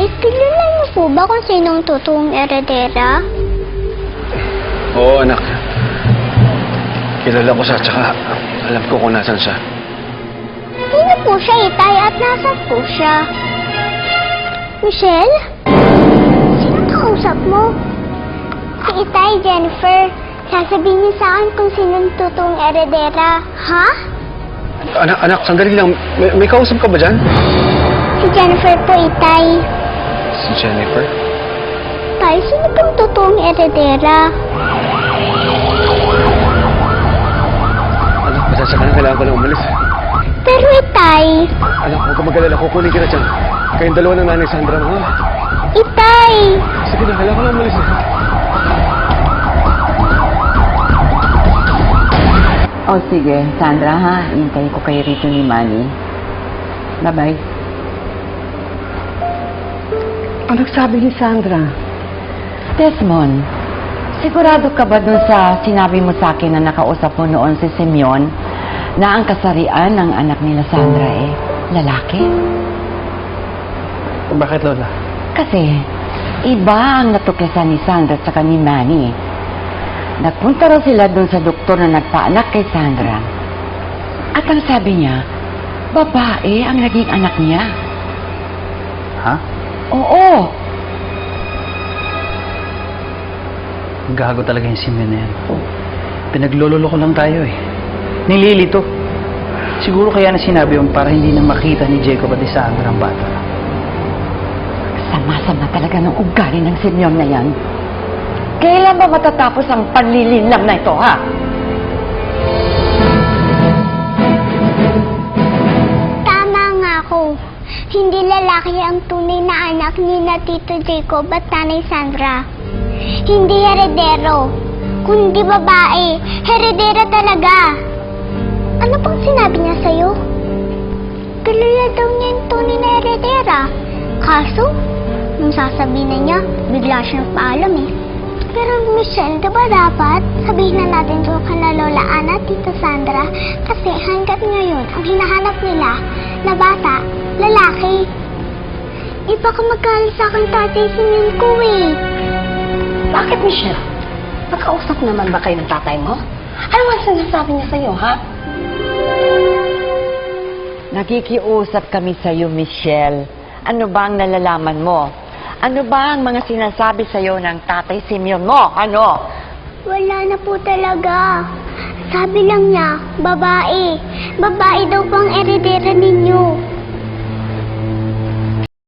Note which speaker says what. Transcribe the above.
Speaker 1: Tay, kilala niyo po ba kung sinong totoong eredera?
Speaker 2: Oo, anak. Kilala ko siya, tsaka alam ko kung nasan siya.
Speaker 1: Sino po siya, Itay, at nasan po siya? Michelle? Sino kausap mo? Si Itay, Jennifer. Sasabihin niyo sa akin kung sinong totoong eredera. Ha?
Speaker 2: Anak, sandali lang. May kausap ka ba dyan?
Speaker 1: Si Jennifer po, Itay.
Speaker 2: Si Jennifer?
Speaker 1: Tay, sino pong totoong eredera?
Speaker 2: Anak, pasensya ka na. Kailangan ko lang umalis.
Speaker 1: Pero Itay...
Speaker 2: Anak, huwag ka mag-alala. Kukunin kita dyan. Kayong dalawa ng nanay Sandra mo, ha?
Speaker 1: Itay!
Speaker 2: Sige na, kailangan ko lang umalis.
Speaker 3: O sige, Sandra ha, hintayin ko kayo rito ni Manny. Bye-bye.
Speaker 4: Anong sabi ni Sandra?
Speaker 3: Desmond, sigurado ka ba dun sa sinabi mo sa akin na nakausap mo noon si Simeon na ang kasarian ng anak nila Sandra lalaki?
Speaker 2: Bakit, Lola?
Speaker 3: Kasi iba ang natuklasan ni Sandra at ni Manny. Nagpunta raw sila doon sa doktor na nagpaanak kay Sandra. At ang sabi niya, babae ang naging anak niya.
Speaker 5: Ha?
Speaker 3: Oo.
Speaker 5: Gago talaga yung Simeon na yan. Pinaglololo ko lang tayo eh. Nililito. Siguro kaya na sinabi yung para hindi na makita ni Jacob at ni Sandra ang bata.
Speaker 3: Sama-sama talaga ng ugali ng Simeon na yan. Kailan ba matatapos ang panlilinlang na ito, ha?
Speaker 1: Tama nga ako. Hindi lalaki ang tunay na anak ni na Tito Jacob at Nanay Sandra. Hindi heredero, kundi babae. Heredera talaga. Ano pang sinabi niya sa'yo? Kilala daw niya yung tunay na heredera. Kaso, nung sasabihin na niya, bigla siya nagpaalam eh. Pero Michelle, di ba dapat sabihin na natin to kay Lola Ana at Tito Sandra? Kasi hanggat ngayon, ang hinahanap nila na bata, lalaki. Iba ka magkalit sa akin, tatay, sinin ko eh.
Speaker 4: Bakit, Michelle? Nagkausap naman ba kayo ng tatay mo? Ano nga sinasabi niya sa'yo, ha?
Speaker 3: Nakikiusap kami sa'yo, Michelle. Ano ba ang nalalaman mo? Ano ba ang mga sinasabi sa'yo ng tatay Simeon mo? Ano?
Speaker 1: Wala na po talaga. Sabi lang niya, babae. Babae daw pang eredera ninyo.